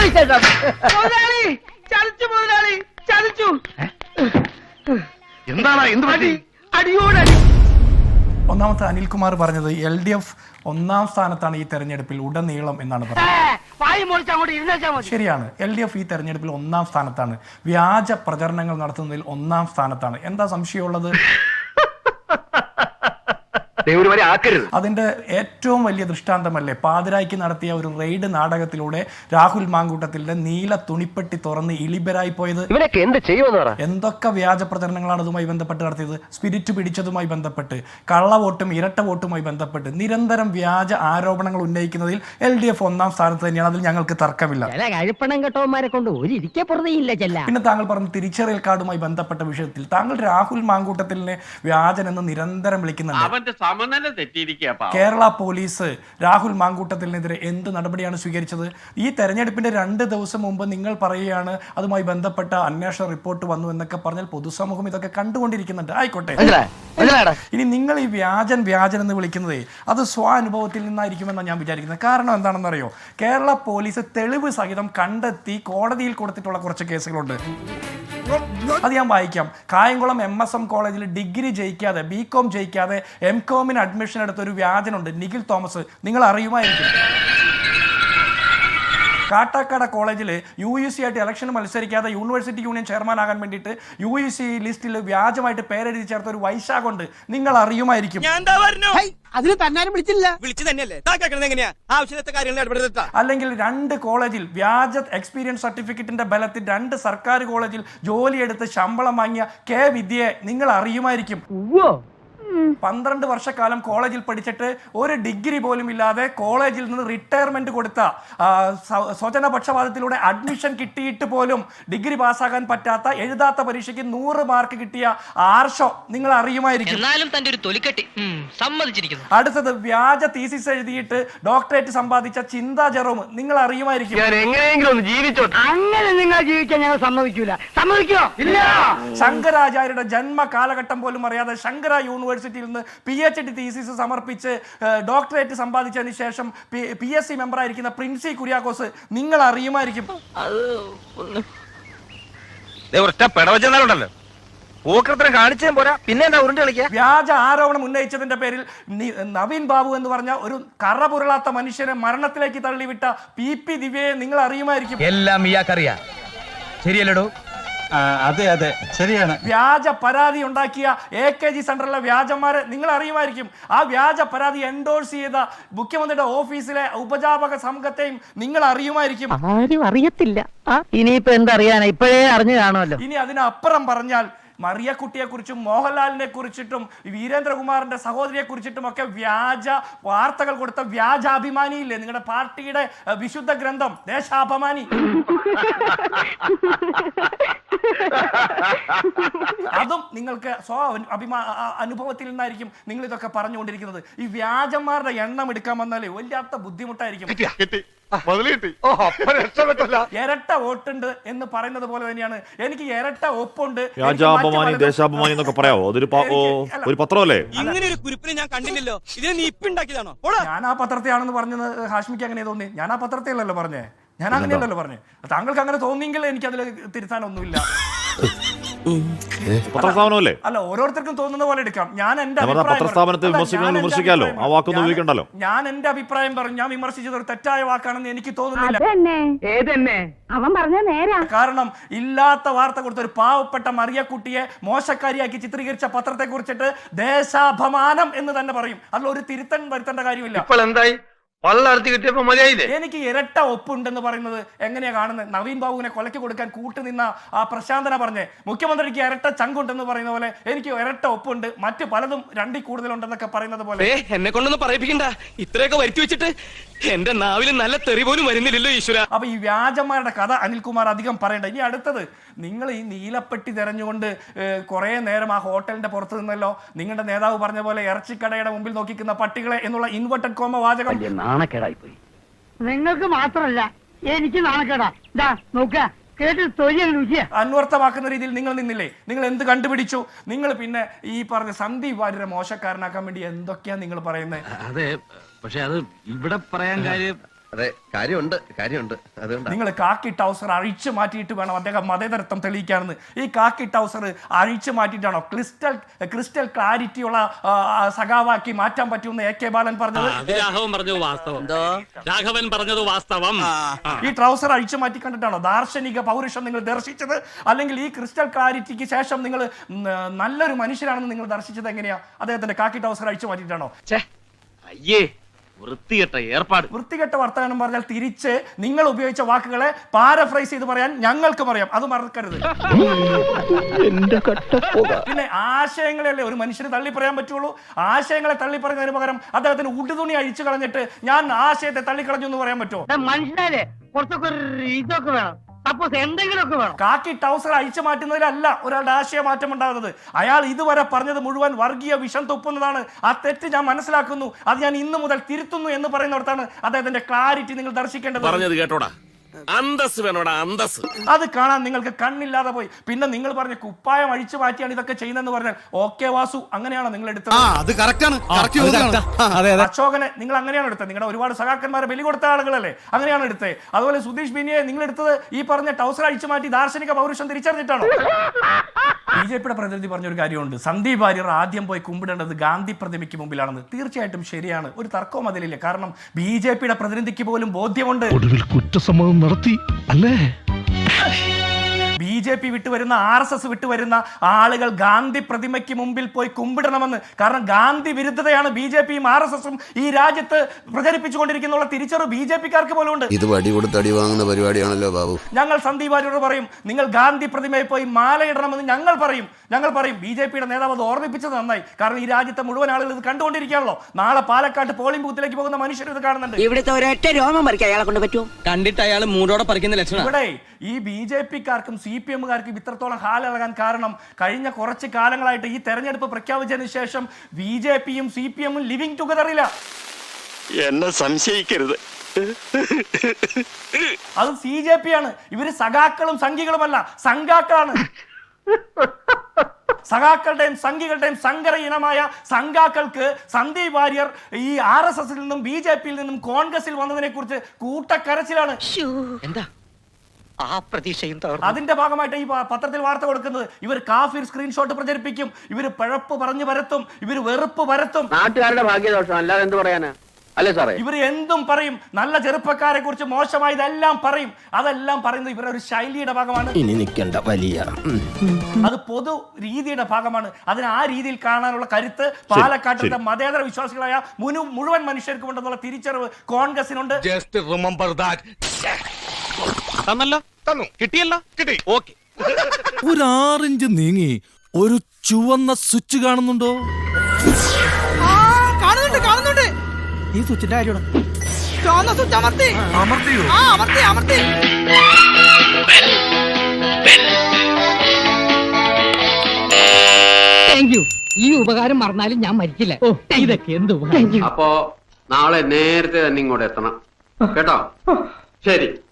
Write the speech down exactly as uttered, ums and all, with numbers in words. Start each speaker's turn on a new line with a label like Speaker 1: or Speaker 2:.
Speaker 1: ചതിച്ചു മുതലാളി, ചതിച്ചു.
Speaker 2: എന്താണ് എന്ത് പറ്റി?
Speaker 1: അടിയോടടി.
Speaker 3: ഒന്നാമത്തെ അനിൽകുമാർ പറഞ്ഞത് എൽ ഡി എഫ് ഒന്നാം സ്ഥാനത്താണ് ഈ തെരഞ്ഞെടുപ്പിൽ ഉടനീളം എന്നാണ് പറഞ്ഞത്. ശരിയാണ്, എൽ ഡി എഫ് ഈ തെരഞ്ഞെടുപ്പിൽ ഒന്നാം സ്ഥാനത്താണ്. വ്യാജ പ്രചരണങ്ങൾ നടത്തുന്നതിൽ ഒന്നാം സ്ഥാനത്താണ്. എന്താ സംശയമുള്ളത്? അതിന്റെ ഏറ്റവും വലിയ ദൃഷ്ടാന്തമല്ലേ പാതിരായ്ക്ക് നടത്തിയ ഒരു റെയ്ഡ് നാടകത്തിലൂടെ രാഹുൽ മാങ്കൂട്ടത്തിന്റെ നീല തുണിപ്പെട്ടി തുറന്ന് ഇളിബരായി പോയത്.
Speaker 2: ഇവനൊക്കെ എന്ത് ചെയ്യുമെന്ന്
Speaker 3: എന്തൊക്കെ വ്യാജ പ്രചരണങ്ങളാണ് അതുമായി ബന്ധപ്പെട്ട് നടത്തിയത്? സ്പിരിറ്റ് പിടിച്ചതുമായി ബന്ധപ്പെട്ട്, കള്ള വോട്ടും ഇരട്ട വോട്ടുമായി ബന്ധപ്പെട്ട് നിരന്തരം വ്യാജ ആരോപണങ്ങൾ ഉന്നയിക്കുന്നതിൽ എൽ ഡി എഫ് ഒന്നാം സ്ഥാനത്ത് തന്നെയാണ്. അതിൽ ഞങ്ങൾക്ക് തർക്കമില്ല. പിന്നെ താങ്കൾ പറഞ്ഞ തിരിച്ചറിയൽ കാർഡുമായി ബന്ധപ്പെട്ട വിഷയത്തിൽ താങ്കൾ രാഹുൽ മാങ്കൂട്ടത്തിലിനെ വ്യാജൻ എന്ന് നിരന്തരം വിളിക്കുന്നുണ്ട്. കേരള പോലീസ് രാഹുൽ മാങ്കൂട്ടത്തിനെതിരെ എന്ത് നടപടിയാണ് സ്വീകരിച്ചത്? ഈ തെരഞ്ഞെടുപ്പിന്റെ രണ്ട് ദിവസം മുമ്പ് നിങ്ങൾ പറയുകയാണ് അതുമായി ബന്ധപ്പെട്ട അന്വേഷണ റിപ്പോർട്ട് വന്നു എന്നൊക്കെ പറഞ്ഞാൽ പൊതുസമൂഹം ഇതൊക്കെ കണ്ടുകൊണ്ടിരിക്കുന്നുണ്ട്. ആയിക്കോട്ടെ, ഇനി നിങ്ങൾ ഈ വ്യാജൻ വ്യാജൻ എന്ന് വിളിക്കുന്നതേ അത് സ്വാനുഭവത്തിൽ നിന്നായിരിക്കുമെന്നാണ് ഞാൻ വിചാരിക്കുന്നത്. കാരണം എന്താണെന്നറിയോ, കേരള പോലീസ് തെളിവ് സഹിതം കണ്ടെത്തി കോടതിയിൽ കൊടുത്തിട്ടുള്ള കുറച്ച് കേസുകളുണ്ട്. അത് ഞാൻ വായിക്കാം. കായംകുളം എം എസ് എം കോളേജിൽ ഡിഗ്രി ജയിക്കാതെ ബി കോം ജയിക്കാതെ എം കോമിന് അഡ്മിഷൻ എടുത്ത ഒരു വ്യാജനുണ്ട്, നിഖിൽ തോമസ്. നിങ്ങൾ അറിയുമായിരിക്കും. കാട്ടാക്കട കോളേജിൽ യു യു സി ആയിട്ട് ഇലക്ഷന് മത്സരിക്കാതെ യൂണിവേഴ്സിറ്റി യൂണിയൻ ചെയർമാൻ ആകാൻ വേണ്ടിയിട്ട് യു യു സി ലിസ്റ്റിൽ വ്യാജമായിട്ട് പേരെഴുതി ചേർത്ത ഒരു വൈശാഖുണ്ട്. നിങ്ങൾ അറിയുമായിരിക്കും. അല്ലെങ്കിൽ രണ്ട് കോളേജിൽ വ്യാജ എക്സ്പീരിയൻസ് സർട്ടിഫിക്കറ്റിന്റെ ബലത്തിൽ രണ്ട് സർക്കാർ കോളേജിൽ ജോലിയെടുത്ത് ശമ്പളം വാങ്ങിയ കെ വിദ്യയെ നിങ്ങൾ അറിയുമായിരിക്കും. പന്ത്രണ്ട് വർഷക്കാലം കോളേജിൽ പഠിച്ചിട്ട് ഒരു ഡിഗ്രി പോലും ഇല്ലാതെ കോളേജിൽ നിന്ന് റിട്ടയർമെന്റ് കൊടുത്ത, സ്വജന പക്ഷപാതത്തിലൂടെ അഡ്മിഷൻ കിട്ടിയിട്ട് പോലും ഡിഗ്രി പാസ്സാകാൻ പറ്റാത്ത, എഴുതാത്ത പരീക്ഷയ്ക്ക് നൂറ് മാർക്ക് കിട്ടിയ ആർഷോ നിങ്ങൾ അറിയുമായിരിക്കും. അടുത്തത് വ്യാജ തീസിസ് എഴുതിയിട്ട് ഡോക്ടറേറ്റ് സമ്പാദിച്ച ചിന്ത ജെറോം നിങ്ങൾ അറിയുമായിരിക്കും.
Speaker 1: അങ്ങനെ നിങ്ങൾ ജീവിക്കാൻ ഞങ്ങൾ സമ്മതിക്കൂല. സമ്മതിക്കോ? ഇല്ല.
Speaker 3: ശങ്കരാചാര്യയുടെ ജന്മ കാലഘട്ടം പോലും അറിയാതെ ശങ്കര യൂണിവേഴ്സിറ്റി നിന്ന് പി എച്ച് ഡി തീസിസ് സമർപ്പിച്ച് ഡോക്ടറേറ്റ് സമ്പാദിച്ചതിന് ശേഷം പി എസ് സി മെമ്പർ ആയിരിക്കുന്ന പ്രിൻസി കുര്യാക്കോസ് നിങ്ങൾ അറിയുമായിരിക്കും. വ്യാജ ആരോപണം ഉന്നയിച്ചതിന്റെ പേരിൽ നവീൻ ബാബു എന്ന് പറഞ്ഞ ഒരു കറപുരളാത്ത മനുഷ്യനെ മരണത്തിലേക്ക് തള്ളിവിട്ട പി പി ദിവ്യയെ നിങ്ങൾ അറിയുമായിരിക്കും.
Speaker 4: എല്ലാം ഇയാൾക്കറിയാം. ശരിയല്ലടോ?
Speaker 5: അതെ അതെ ശരിയാണ്.
Speaker 3: വ്യാജ പരാതി ഉണ്ടാക്കിയ എ കെ ജി സെന്ററിലെ വ്യാജന്മാരെ നിങ്ങൾ അറിയുമായിരിക്കും. ആ വ്യാജ പരാതി എൻഡോഴ്സ് ചെയ്ത മുഖ്യമന്ത്രിയുടെ ഓഫീസിലെ ഉപജാപക സംഘത്തെയും നിങ്ങൾ അറിയുമായിരിക്കും.
Speaker 1: ആരും അറിയത്തില്ല. ഇനിയിപ്പോ എന്തറിയാനാ, ഇപ്പോഴേ അറിഞ്ഞു കാണുമല്ലോ.
Speaker 3: ഇനി അതിനപ്പുറം പറഞ്ഞാൽ മറിയക്കുട്ടിയെ കുറിച്ചും മോഹൻലാലിനെ കുറിച്ചിട്ടും വീരേന്ദ്രകുമാറിന്റെ സഹോദരിയെ കുറിച്ചിട്ടും ഒക്കെ വ്യാജ വാർത്തകൾ കൊടുത്ത വ്യാജാഭിമാനിയില്ലേ നിങ്ങളുടെ പാർട്ടിയുടെ വിശുദ്ധ ഗ്രന്ഥം ദേശാഭിമാനി? അതും നിങ്ങൾക്ക് സ്വ അഭിമാ അനുഭവത്തിൽ നിന്നായിരിക്കും നിങ്ങൾ ഇതൊക്കെ പറഞ്ഞുകൊണ്ടിരിക്കുന്നത്. ഈ വ്യാജന്മാരുടെ എണ്ണം എടുക്കാൻ വന്നാലേ വല്ലാത്ത ബുദ്ധിമുട്ടായിരിക്കും. ഇരട്ട വോട്ടുണ്ട് എന്ന് പറയുന്നത് പോലെ തന്നെയാണ് എനിക്ക് ഇരട്ട ഒപ്പുണ്ട്.
Speaker 6: ദേശാഭിമാനി എന്നൊക്കെ പറയാവോ? അതൊരു ഒരു പത്രമല്ലേ?
Speaker 4: ഇങ്ങനെ ഒരു കുറിപ്പിനെ ഞാൻ കണ്ടില്ലല്ലോ. ഇതിനെ നീ ഇപ്പൊ ഉണ്ടാക്കിയതാണോ?
Speaker 3: ഞാൻ ആ പത്രത്തെയാണെന്ന് പറഞ്ഞത് ഹാഷ്മിക്ക് അങ്ങനെ തോന്നി. ഞാൻ ആ പത്രത്തെയല്ലല്ലോ പറഞ്ഞേ, ഞാൻ അങ്ങനെയല്ലല്ലോ പറഞ്ഞേ. താങ്കൾക്ക് അങ്ങനെ തോന്നിയെങ്കിൽ എനിക്ക് അതിൽ തിരുത്താനൊന്നുമില്ല.
Speaker 6: പത്രസ്ഥാപനമല്ലേ?
Speaker 3: അല്ല, ഓരോരുത്തർക്കും തോന്നുന്ന പോലെ എടുക്കാം. ഞാൻ എന്റെ
Speaker 6: പത്രസ്ഥാപനത്തെ വിമർശിക്കാമല്ലോ, ആ വാക്കൊന്നും ഉപയോഗിക്കണ്ടല്ലോ.
Speaker 3: ഞാൻ എന്റെ അഭിപ്രായം പറഞ്ഞു. ഞാൻ വിമർശിച്ചത് ഒരു തെറ്റായ വാക്കാണെന്ന് എനിക്ക് തോന്നുന്നില്ല.
Speaker 7: അവൻ പറഞ്ഞ നേരാ.
Speaker 3: കാരണം ഇല്ലാത്ത വാർത്ത കൊടുത്ത ഒരു പാവപ്പെട്ട മറിയക്കുട്ടിയെ മോശക്കാരിയാക്കി ചിത്രീകരിച്ച പത്രത്തെ കുറിച്ചിട്ട് ദേശാഭിമാനം എന്ന് തന്നെ പറയും. അതിൽ ഒരു തിരുത്തൻ വരുത്തേണ്ട കാര്യമില്ല.
Speaker 2: ഇപ്പോൾ എന്തായി?
Speaker 3: എനിക്ക് ഇരട്ട ഒപ്പുണ്ടെന്ന് പറയുന്നത് എങ്ങനെയാ കാണുന്നത്? നവീൻ ബാബുവിനെ കൊലയ്ക്ക് കൊടുക്കാൻ കൂട്ടുനിന്ന ആ പ്രശാന്തന പറഞ്ഞേ മുഖ്യമന്ത്രിക്ക് ഇരട്ട ചങ്കുണ്ടെന്ന് പറയുന്ന പോലെ എനിക്ക് ഇരട്ട ഒപ്പുണ്ട്, മറ്റു പലതും രണ്ടിൽ കൂടുതലുണ്ടെന്നൊക്കെ പറയുന്നത് പോലെ.
Speaker 4: എന്നെ കൊണ്ടൊന്നും പറയിപ്പിക്കണ്ട. ഇത്രയൊക്കെ വരുത്തി വെച്ചിട്ട് എന്റെ നാവിൽ നല്ല തെറി പോലും വരുന്നില്ലല്ലോ ഈശ്വര.
Speaker 3: അപ്പൊ ഈ വ്യാജന്മാരുടെ കഥ അനിൽകുമാർ അധികം പറയണ്ട. ഇനി അടുത്തത്, നിങ്ങൾ ഈ നീലപ്പെട്ടി തെരഞ്ഞുകൊണ്ട് കുറെ നേരം ആ ഹോട്ടലിന്റെ പുറത്ത് നിന്നല്ലോ നിങ്ങളുടെ നേതാവ് പറഞ്ഞ പോലെ ഇറച്ചിക്കടയുടെ മുമ്പിൽ നോക്കിക്കുന്ന പട്ടികളെ എന്നുള്ള ഇൻവെർട്ടഡ് കോമ വാചകം
Speaker 1: നാണക്കേടായി പോയി. നിങ്ങൾക്ക് മാത്രമല്ല എനിക്ക് നാണക്കേടാ. നോക്ക കേട്ട് തൊഴിൽ
Speaker 3: അന്വർത്ഥമാക്കുന്ന രീതിയിൽ നിങ്ങൾ നിന്നില്ലേ? നിങ്ങൾ എന്ത് കണ്ടുപിടിച്ചു? നിങ്ങൾ പിന്നെ ഈ പറഞ്ഞ സന്ദീപ് വാര്യരെ മോശക്കാരനാക്കാൻ വേണ്ടി എന്തൊക്കെയാ നിങ്ങൾ പറയുന്നത്?
Speaker 5: അതെ, പക്ഷെ അത് ഇവിടെ പറയാൻ കാര്യം
Speaker 2: അതെ കാര്യമുണ്ട് കാര്യമുണ്ട് അതുകൊണ്ട്
Speaker 3: നിങ്ങൾ കാക്കി ടൗസർ അഴിച്ചു മാറ്റിയിട്ട് വേണം അദ്ദേഹം മതേതരത്വം തെളിയിക്കാനെന്ന്. ഈ കാക്കി ടൗസർ അഴിച്ചു മാറ്റിയിട്ടാണോ ക്രിസ്റ്റൽ ക്രിസ്റ്റൽ ക്ലാരിറ്റിയുള്ള സഖാവാക്കി മാറ്റാൻ പറ്റുമെന്ന് എ കെ ബാലൻ പറഞ്ഞത്?
Speaker 4: രാഘവൻ പറഞ്ഞത് വാസ്തവം. രാഘവൻ പറഞ്ഞത് വാസ്തവം.
Speaker 3: ഈ ട്രൗസർ അഴിച്ചു മാറ്റി കണ്ടിട്ടാണോ ദാർശനിക പൗരുഷം നിങ്ങൾ ദർശിച്ചത്? അല്ലെങ്കിൽ ഈ ക്രിസ്റ്റൽ ക്ലാരിറ്റിക്ക് ശേഷം നിങ്ങൾ നല്ലൊരു മനുഷ്യരാണെന്ന് നിങ്ങൾ ദർശിച്ചത് എങ്ങനെയാ? അദ്ദേഹത്തിന്റെ കാക്കി ടൗസർ അഴിച്ചു മാറ്റിയിട്ടാണോ?
Speaker 4: അയ്യേ, വൃത്തികെട്ട ഏർപ്പാട്.
Speaker 3: വൃത്തികെട്ട വർത്തമാനം പറഞ്ഞാൽ തിരിച്ച് നിങ്ങൾ ഉപയോഗിച്ച വാക്കുകളെ പാരഫ്രൈസ് ചെയ്ത് പറയാൻ ഞങ്ങൾക്കും അറിയാം, അത് മറക്കരുത്. പിന്നെ ആശയങ്ങളെയല്ലേ ഒരു മനുഷ്യന് തള്ളി പറയാൻ പറ്റുള്ളൂ. ആശയങ്ങളെ തള്ളി പറയുന്നതിന് പകരം അദ്ദേഹത്തിന് ഉടുതുണി അഴിച്ചു കളഞ്ഞിട്ട് ഞാൻ ആശയത്തെ തള്ളിക്കളഞ്ഞു എന്ന് പറയാൻ പറ്റുമോ?
Speaker 1: മനുഷ്യരെ കുറച്ചൊക്കെ ഇതൊക്കെ വേണം, സപ്പോസ് എന്തെങ്കിലുമൊക്കെ വേണം.
Speaker 3: കാക്കി ടൗസർ അഴിച്ചു മാറ്റുന്നതിലല്ല ഒരാളുടെ ആശയ മാറ്റം ഉണ്ടാകുന്നത്. അയാൾ ഇതുവരെ പറഞ്ഞത് മുഴുവൻ വർഗീയ വിഷം തുപ്പുന്നതാണ്. ആ തെറ്റ് ഞാൻ മനസ്സിലാക്കുന്നു, അത് ഞാൻ ഇന്നു മുതൽ തിരുത്തുന്നു എന്ന് പറയുന്നിടത്താണ് അദ്ദേഹത്തിന്റെ ക്ലാരിറ്റി നിങ്ങൾ ദർശിക്കേണ്ടത്.
Speaker 4: പറഞ്ഞത് കേട്ടോടാ, അന്തസ് വേണോടാ, അന്തസ്.
Speaker 3: അത് കാണാൻ നിങ്ങൾക്ക് കണ്ണില്ലാതെ പോയി. പിന്നെ നിങ്ങൾ പറഞ്ഞ കുപ്പായം അഴിച്ചു മാറ്റിയാണ് ഇതൊക്കെ ചെയ്യുന്നതെന്ന് പറഞ്ഞാൽ ഓക്കെ വാസു, അങ്ങനെയാണോ നിങ്ങൾ എടുത്തത്? അശോകനെ നിങ്ങൾ അങ്ങനെയാണ് എടുത്തത്. നിങ്ങളുടെ ഒരുപാട് സഖാക്കന്മാരെ ബലി കൊടുത്ത ആളുകളല്ലേ, അങ്ങനെയാണ് എടുത്തത്. അതുപോലെ സുധീഷ് ബിനിയെ നിങ്ങൾ എടുത്തത് ഈ പറഞ്ഞ ടൗസർ അഴിച്ചു മാറ്റി ദാർശനിക പൗരുഷം തിരിച്ചറിഞ്ഞിട്ടാണോ? ബി ജെ പിയുടെ പ്രതിനിധി പറഞ്ഞൊരു കാര്യമുണ്ട്, സന്ദീപ് വാര്യർ ആദ്യം പോയി കുമ്പിടേണ്ടത് ഗാന്ധി പ്രതിമയ്ക്ക് മുമ്പിലാണെന്ന്. തീർച്ചയായിട്ടും ശരിയാണ്, ഒരു തർക്കവും അതിലില്ല. കാരണം ബി ജെ പിയുടെ പ്രതിനിധിക്ക് പോലും ബോധ്യമുണ്ട്
Speaker 8: കുറ്റസമ്മതം നടത്തി അല്ലേ.
Speaker 3: ബി ജെ പി വിട്ടുവരുന്ന ആർ എസ് എസ് വിട്ടുവരുന്ന ആളുകൾ ഗാന്ധി പ്രതിമയ്ക്ക് മുമ്പിൽ പോയി കുമ്പിടണമെന്ന്. കാരണം ഗാന്ധി വിരുദ്ധതയാണ് ബി ജെ പിയും ആർ എസ് എസും ഈ രാജ്യത്ത് പ്രചരിപ്പിച്ചുകൊണ്ടിരിക്കുന്ന തിരിച്ചറിവ് ബി ജെ പിക്കാർക്ക് പോലും ഉണ്ട്.
Speaker 9: ഇത് വടി കൊടുത്ത് അടി വാങ്ങുന്ന പരിപാടിയാണല്ലോ ബാബു.
Speaker 3: ഞങ്ങൾ സന്ദീപ് വാര്യരോട് പറയും, നിങ്ങൾ ഗാന്ധി പ്രതിമയിൽ പോയി മാലയിടണമെന്ന് ഞങ്ങൾ പറയും. ഞങ്ങൾ പറയും ബി ജെ പിയുടെ നേതാവ് അത് ഓർമ്മിപ്പിച്ചത് നന്നായി. കാരണം ഈ രാജ്യത്തെ മുഴുവൻ ആളുകൾ ഇത് കണ്ടുകൊണ്ടിരിക്കുകയാണല്ലോ. നാളെ പാലക്കാട്ട് പോളിംഗ് ബൂത്തിലേക്ക് പോകുന്ന മനുഷ്യർ ഇത് കാണുന്നുണ്ട്.
Speaker 1: ഇവിടുത്തെ ഒരൊറ്റ രോമം പറിക്കാൻ അയാളെ കൊണ്ട് പറ്റുമോ?
Speaker 4: കണ്ടിട്ട് അയാൾ മൂടോടെ പറിക്കുന്ന ലക്ഷണം.
Speaker 3: ഇവിടെ ഈ ബി ജെ പിക്കാർക്കും സി പി എമ്മുകാർക്കും ഇത്രത്തോളം ഹാലിളകാൻ കാരണം കഴിഞ്ഞ കുറച്ച് കാലങ്ങളായിട്ട് ഈ തെരഞ്ഞെടുപ്പ് പ്രഖ്യാപിച്ചതിന് ശേഷം ബി ജെ പിയും സി പി എമ്മും ലിവിങ് ടുഗദറില്ല.
Speaker 4: എന്നെ സംശയിക്കരുത്,
Speaker 3: അത് സി ജെ പി ആണ്. ഇവര് സഖാക്കളും സംഘികളുമല്ല, സംഘാക്കളാണ്. സഖാക്കളുടെയും സംഘികളുടെയും സങ്കര ഇനമായ സംഘാക്കൾക്ക് സന്ദീപ് വാര്യർ ഈ ആർ എസ് എസിൽ നിന്നും ബി ജെ പിയിൽ നിന്നും കോൺഗ്രസിൽ വന്നതിനെ കുറിച്ച് കൂട്ടക്കരച്ചിലാണ്.
Speaker 1: എന്താ ആ പ്രതീക്ഷയും
Speaker 3: അതിന്റെ ഭാഗമായിട്ട് ഈ പത്രത്തിൽ വാർത്ത കൊടുക്കുന്നത്. ഇവർ കാഫിർ സ്ക്രീൻഷോട്ട് പ്രചരിപ്പിക്കും, ഇവർ പിഴപ്പ് പറഞ്ഞു പരത്തും, ഇവർ വെറുപ്പ് പരത്തും.
Speaker 1: നാട്ടുകാരുടെ ഭാഗ്യദോഷം അല്ലാതെ എന്ത് പറയാനാ? അല്ലേ സാറേ,
Speaker 3: ഇവർ എന്തും പറയും. നല്ല ചെറുപ്പക്കാരെ കുറിച്ച് മോശമായതെല്ലാം പറയും. അതെല്ലാം പറയുന്നത് ഇവരുടെ ഒരു ശൈലിയുടെ ഭാഗമാണ്.
Speaker 4: ഇനി നിൽക്കേണ്ട വലിയ
Speaker 3: അത് പൊതു രീതിയുടെ ഭാഗമാണ്. അതിന് ആ രീതിയിൽ കാണാനുള്ള കരുത്ത് പാലക്കാട്ടിലെ മതേതര വിശ്വാസികളായ മുഴുവൻ മനുഷ്യർക്കും ഉണ്ടെന്നുള്ള തിരിച്ചറിവ് കോൺഗ്രസിനുണ്ട്.
Speaker 4: തന്നല്ലോ, തന്നു, കിട്ടിയല്ലോ, കിട്ടി, ഓക്കെ.
Speaker 8: ഒരു ആറിഞ്ച് നീങ്ങി ഒരു ചുവന്ന സ്വിച്ച് കാണുന്നുണ്ടോ?
Speaker 1: കാണുന്നുണ്ട് കാണുന്നുണ്ട് ഈ സ്വിച്ചിന്റെ കാര്യമാണ്. ചുവന്ന സ്വിച്ച് അമർത്തി അമർത്തിയോ? ആ അമർത്തി അമർത്തി. Thank you. ഈ ഉപകാരം മറന്നാലും ഞാൻ മരിക്കില്ല. ഓ ഇതൊക്കെ എന്ത് ഉപകാരം.
Speaker 10: അപ്പോ നാളെ നേരത്തെ തന്നെ ഇങ്ങോട്ട് എത്തണം കേട്ടോ. ശരി.